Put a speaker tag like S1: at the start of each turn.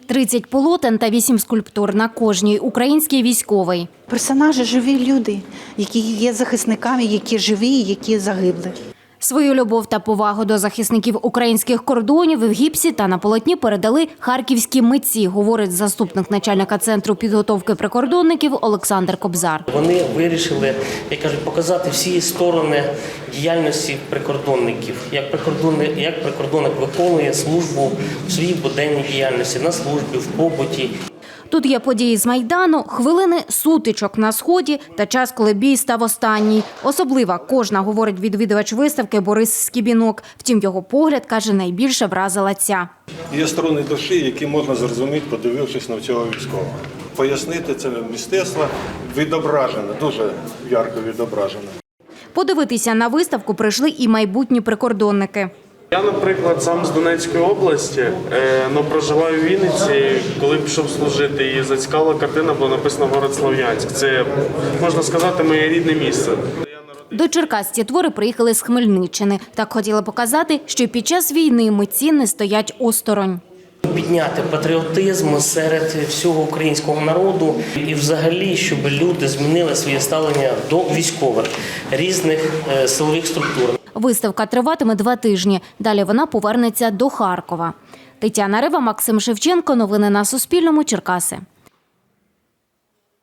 S1: 30 полотен та 8 скульптур на кожній український військовий.
S2: Персонажі – живі люди, які є захисниками, які живі, які загибли.
S1: Свою любов та повагу до захисників українських кордонів в гіпсі та на полотні передали харківські митці, говорить заступник начальника Центру підготовки прикордонників Олександр Кобзар.
S3: Вони вирішили, як кажуть, показати всі сторони діяльності прикордонників. Як прикордонник виконує службу в своїй буденній діяльності, на службі, в побуті.
S1: Тут є події з Майдану, хвилини сутичок на Сході та час, коли бій став останній. Особлива кожна, говорить відвідувач виставки Борис Скібінок. Втім, його погляд, каже, найбільше вразила ця.
S4: Є сторони душі, які можна зрозуміти, подивившись на цього військового. Пояснити це мистецтво відображено, дуже ярко відображено.
S1: Подивитися на виставку прийшли і майбутні прикордонники.
S5: Я, наприклад, сам з Донецької області, але проживаю в Вінниці. Коли пішов служити, і зацікавила картина, була написана «Город Слов'янськ». Це, можна сказати, моє рідне місце.
S1: До Черкас ці твори приїхали з Хмельниччини. Так хотіли показати, що під час війни митці не стоять осторонь.
S3: Підняти патріотизм серед всього українського народу і взагалі, щоб люди змінили своє ставлення до військових різних силових структур.
S1: Виставка триватиме 2 тижні. Далі вона повернеться до Харкова. Тетяна Рева, Максим Шевченко. Новини на Суспільному. Черкаси.